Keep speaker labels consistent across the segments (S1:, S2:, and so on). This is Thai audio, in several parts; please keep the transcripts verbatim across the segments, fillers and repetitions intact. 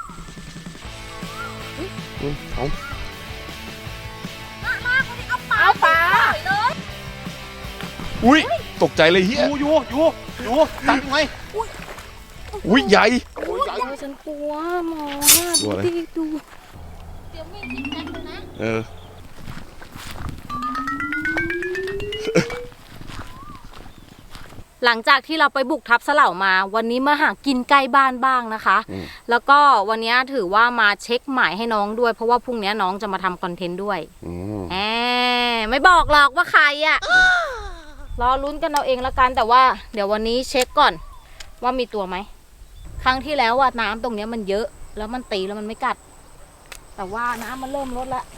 S1: เอา
S2: เอาปลา
S1: อุ้ยตกใจเลยเฮีย
S3: อยู่อยู่อยู่อยู่ตัดไง
S1: อุ้ยใหญ่
S2: โอ้ยฉันกลัวหมอดูดิดูเดี๋ยวมีสิแจ็คเลยนะ
S1: เออ
S2: หลังจากที่เราไปบุกทับสะเหล่ามาวันนี้มาหากินใกล้บ้านบ้างนะคะแล้วก็วันนี้ถือว่ามาเช็คหมายให้น้องด้วยเพราะว่าพรุ่งนี้น้องจะมาทำคอนเทนต์ด้วยแหมไม่บอกหรอกว่าใครอ่ะรอลุ้นกันเอาเองละกันแต่ว่าเดี๋ยววันนี้เช็คก่อนว่ามีตัวไหมครั้งที่แล้วว่าน้ำตรงนี้มันเยอะแล้วมันตีแล้วมันไม่กัดแต่ว่าน้ำมันเริ่มลดแล้ว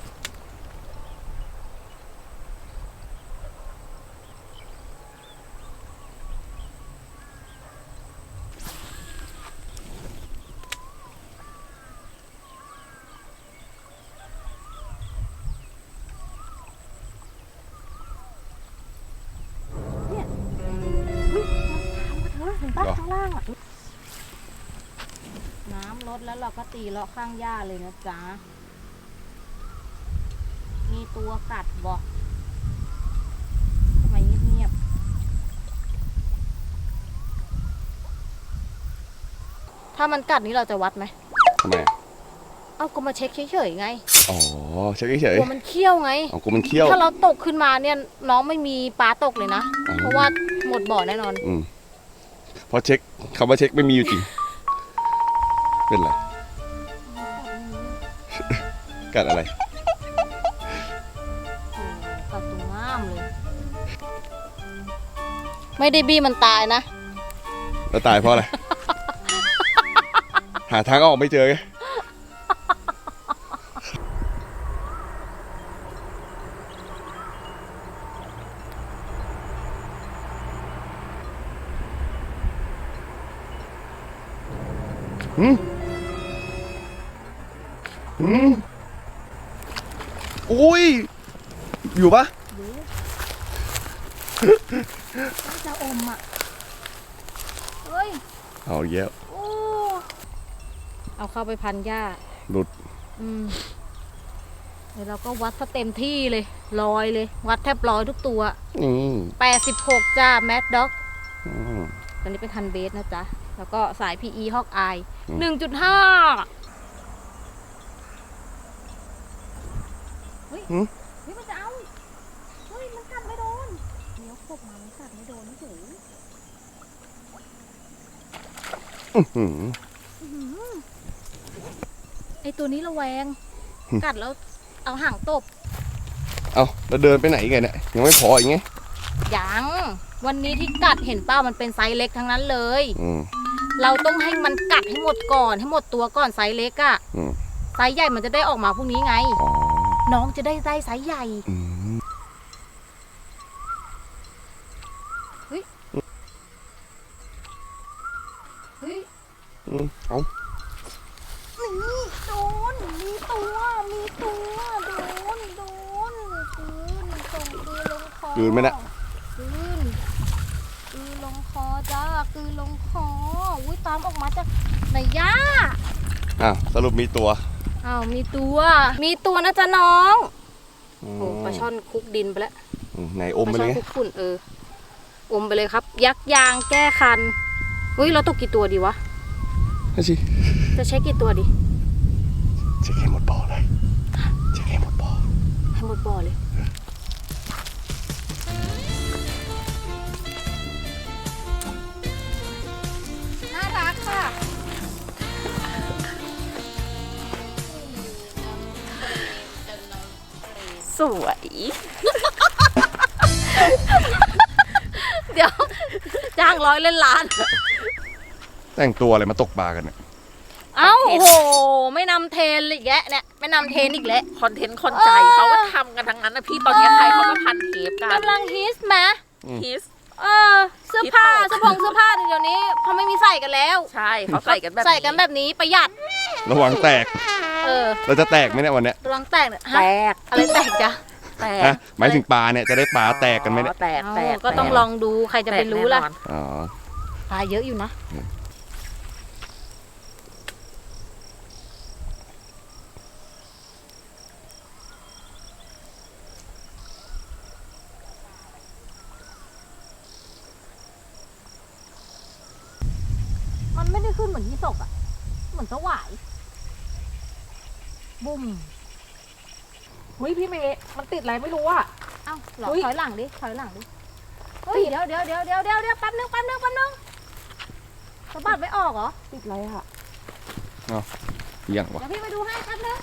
S2: ข้างล่างอ่ะน้ำลดแล้วเราก็ตีเลาะข้างหญ้าเลยนะจ๊ะมีตัวกัดบอกทำไมเงียบๆถ้ามันกัดนี้เราจะวัดไหม
S1: ทำไม
S2: เอาก็มาเช็คเฉยๆไง
S1: อ๋อเช็คเฉย
S2: กลัวมันเคี้ยวไง
S1: อ๋อกลัวมันเคี้ยว
S2: ถ้าเราตกขึ้นมาเนี่ยน้องไม่มีปลาตกเลยนะเพราะว่าหมดบ่อแน่นอน
S1: อืมพอเช็คคำว่าเช็คไม่มีอยู่จริงเป็นไรกัดอะไร
S2: กัดตรงง่ามเลยไม่ได้บี้มันตายนะ
S1: แล้วตายเพราะอะไร หาทางออกไม่เจอไงอืมอืมอุ้ยอยู่ปะ
S2: จะอมอ่ะเฮ้ย
S1: เอาเยอะ
S2: เอาเข้าไปพันหญ้า
S1: หลุด
S2: อืมเดี๋ยวเราก็วัดซะเต็มที่เลยลอยเลยวัดแทบลอยทุกตัว
S1: อืม
S2: แปดสิบหกจ้าแมดด็อกตอนนี้เป็นคันเบสนะจ๊ะแล้วก็สาย พี อี Hawk Eye หนึ่งจุดห้า เฮ้ย เฮ้ยมันจะเอาเฮ้ยมันกัดไม่โดนเดี๋ยวขบมามันกัดไม่โดนไม่ถึงไอตัวนี้ระแวงกัดแล้วเอาห่างตบ
S1: เอาแล้วเดินไปไหนไงเนี่ยยังไม่พออีกไง
S2: ยังวันนี้ที่กัดเห็นเป้ามันเป็นไซส์เล็กทั้งนั้นเลยเราต้องให้มันกัดให้หมดก่อนให้หมดตัวก่อนไซส์เล็กอะไซส์ใหญ่มันจะได้ออกมาพรุ่งนี้ไงน้องจะได้ได้ไซส์ใหญ่เฮ้ยเฮ้ย
S1: เอา
S2: นี่โดนมีตัวมีตัวโดนโดนคืนส่งคืนลงคอ
S1: คืนไหมนะ
S2: คืนคืนลงคอจ้าคืนลงคออุ้ยตามออกมาจากไหนย่า
S1: อ้าวสรุปมีตัว
S2: อ้าวมีตัวมีตัวนะจ๊ะน้องโอ้ปลาช่อนคุกดินไปแล้ว
S1: ไหนอมไปเลย
S2: ปลาช่อนคุกฝุ่นเอออมไปเลยครับยักยางแก้คันเฮ้ยเราตกกี่ตัวดีวะ
S1: นั่นสิ
S2: จะเช็คกี่ตัวดี
S1: เช็คให้หมดบ่อเลยเช็คให้หมดบ่อ
S2: ให้หมดบ่อเลยน่ารักค่ะสวยเดี๋ยวจ้างร้อยเล่นล้าน
S1: แต่งตัวอะไรมาตกปลากันเนี่ย
S2: เอ้าโอ้โหไม่นำเทรนอีกแล้วเนี่ยไม่นำเทรนอีกแล้ว
S4: คอนเทนต์คนใจเขาก็ทำกันทั้งนั้นนะพี่ตอนนี้ใครเขาก็พันเทปกัน
S2: กำลังฮิสไหม
S4: ฮิส
S2: เออเสื้อผ้าเสื้อผงเสื้อผ้าเดี๋ยวนี้เขาไม่มีใส่กันแล้ว
S4: ใช่เขาใส่กันแบบ
S2: ใส่กันแบบนี้ประหยัด
S1: ระวังแตก
S2: เออ
S1: เราจะแตกไหมเนี่ยวันเนี้ย
S2: ระวังแตก
S4: แตก
S2: อะไรแตกจ้ะ
S4: แตก
S1: หมายถึงปลาเนี่ยจะได้ปลาแตกกันไหมเนี่ย
S4: แตกแตก
S2: ก็ต้องลองดูใครจะไปรู้ล่ะ
S1: อ๋อ
S2: ปลาเยอะอยู่นะขึ้นเหมือนยี่สกอ่ะเหมือนสวายบุ้ม
S5: เฮ้ยพี่เมย์มันติดอะไรไม่รู้อ่ะ
S2: เอ้าหรอ
S5: อุ๊ย
S2: ถอยหลังดิถอยหลังดิเฮ้ยเดี๋ยวเดี๋ยวเดี๋ยวเดี๋ยวเดี๋ยวเดี๋ยวแป๊บนึงแป๊บนึงแป๊บนึงสะบัดไม่ออกเหรอ
S5: ติดอะไรอ่ะ
S1: อย่างวะ
S2: เดี๋ยวพี่ไปดูให้แป๊บนึง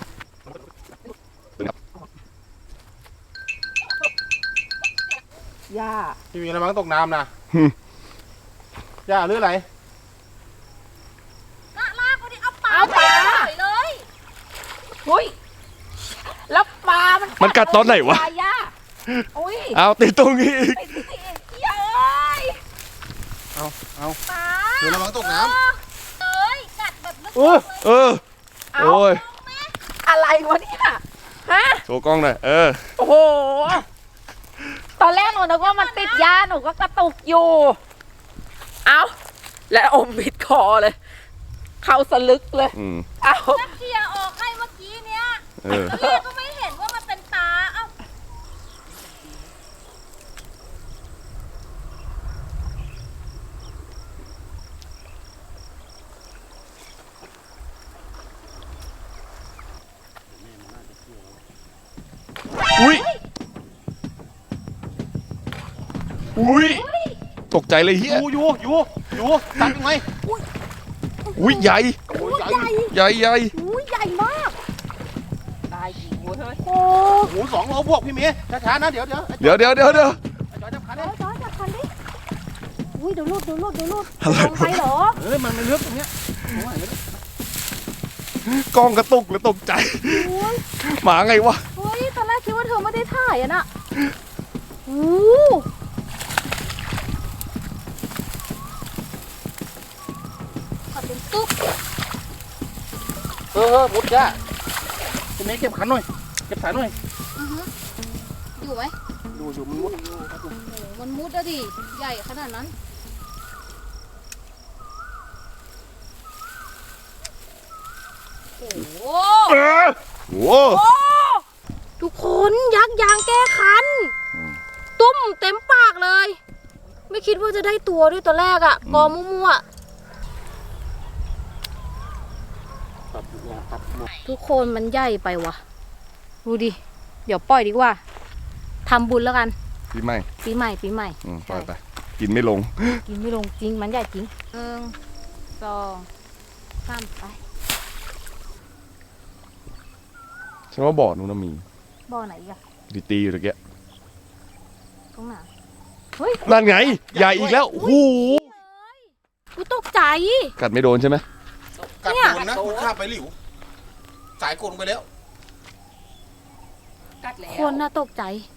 S5: ย่า
S3: พี่มีอะไรบ้างตกน้ำนะย่าหรืออะไร
S2: ลากลากคนนี้เอาปลา
S5: เอาปลา
S2: ปล่อยเลย
S5: เฮ้ยแล้วปลามัน
S1: มันกัดตอนไหนวะ
S5: ปลาย่าอุ้ย
S1: เอาติดตรงนี้อีก
S5: ติดติดเย้ย
S3: เอาเอา
S2: ปลา
S3: เดี๋ยวระวังตกน้
S2: เอ้ยกัดแบบลึก
S3: ำเออ
S1: เออ
S5: เอา
S1: โอ้ย
S5: อะไรวะเนี่ยฮะ
S1: โชว์กล้องหน่อยเออ
S5: โอ้โหตอนแรกหนูนึกว่ามันติดยาหนูก็กระตุกอยู่ เอาแล้วอมบิดคอเลย เข้าสลึกเลย
S1: อืม
S5: เอา
S2: เคลียร์ออกให้เมื่อกี้เนี้ย
S1: เออ
S2: พี่ก็ไม่เห็นว่ามันเป็นปลาเอ้า
S1: อุ้ยอุ้ยตกใจเลยเฮีย
S3: อยู่อยู่อยู่อยู่ตัดยังไง
S1: อุ้ยใหญ่
S3: โอ้ยใหญ่
S1: ใหญ่ใหญ่
S2: อุ้ยใหญ่มาก
S5: ได้กี่หัวเฮ้ย
S2: โอ้
S3: โอ้โหสองโลบวกพี่เมย์ช้าๆนะเดี๋ยวเดี๋ยว
S1: เดี๋ยวเดี๋ยวเดี๋ยวเดี๋ยว
S3: ไอ้จอยจับคัน
S2: จ
S3: เล
S2: อย ยจอยจับคันดิอุ้ยเดี๋ยวลุดเดี๋ยวลุดเดี๋ยวลุด
S1: อะไร
S2: ลงไปเหรอ
S3: เฮ้ยมันมันเลือกตรงเนี้ยโอ้ย
S1: กล้องกระตุกแล้วตกใจ
S2: โอ้ย
S1: หมาไงวะ
S2: เฮ้ยตอนแรกคิดว่าเธอไม่ได้ถ่ายอะน่ะโอ้ขับเป็นตุ๊บ
S3: เออเออมุดจ้าพี่เมย์เก็บขันหน่อยเก็บสายหน่อย
S2: อือฮึอยู่ไหม
S3: ดูอยู่มันมุด
S2: โอ้โหมันมุดอะดิ ใหญ่ขนาดนั้น โอ้โห
S1: เออโว้
S2: ทุกคนยักษ์ยางแก้คัน ตุ้มเต็มปากเลย ไม่คิดว่าจะได้ตัวด้วยตอนแรกอะกอมั่วๆทุกคนมันใหญ่ไปว่ะ ดูดิ เดี๋ยวปล่อยดีกว่าทำบุญแล้วกัน
S1: พี่ไม่
S2: ปีใหม่ปีใหม่
S1: อืมปล่อยไปกินไม่ลง
S2: กินไม่ลงจริงมันใหญ่จริงหนึ่งสองสามไป
S1: ฉันว่าบ่อนู้นนะมี
S2: บ่อไหนอีกอะ
S1: ตีตีอยู่ตะเกีย
S2: ตรงไหนเฮ้ย
S1: นั่นไง ใหญ่อีกแล้วโอ้โห
S2: กูตกใจ
S1: กัดไม่โดนใช่ไหม
S3: กัดโดนนะมันข้ามไปหลิวสายกดลงไปแล้ว
S5: กัดแล้ว
S2: คนน่ะตกใจ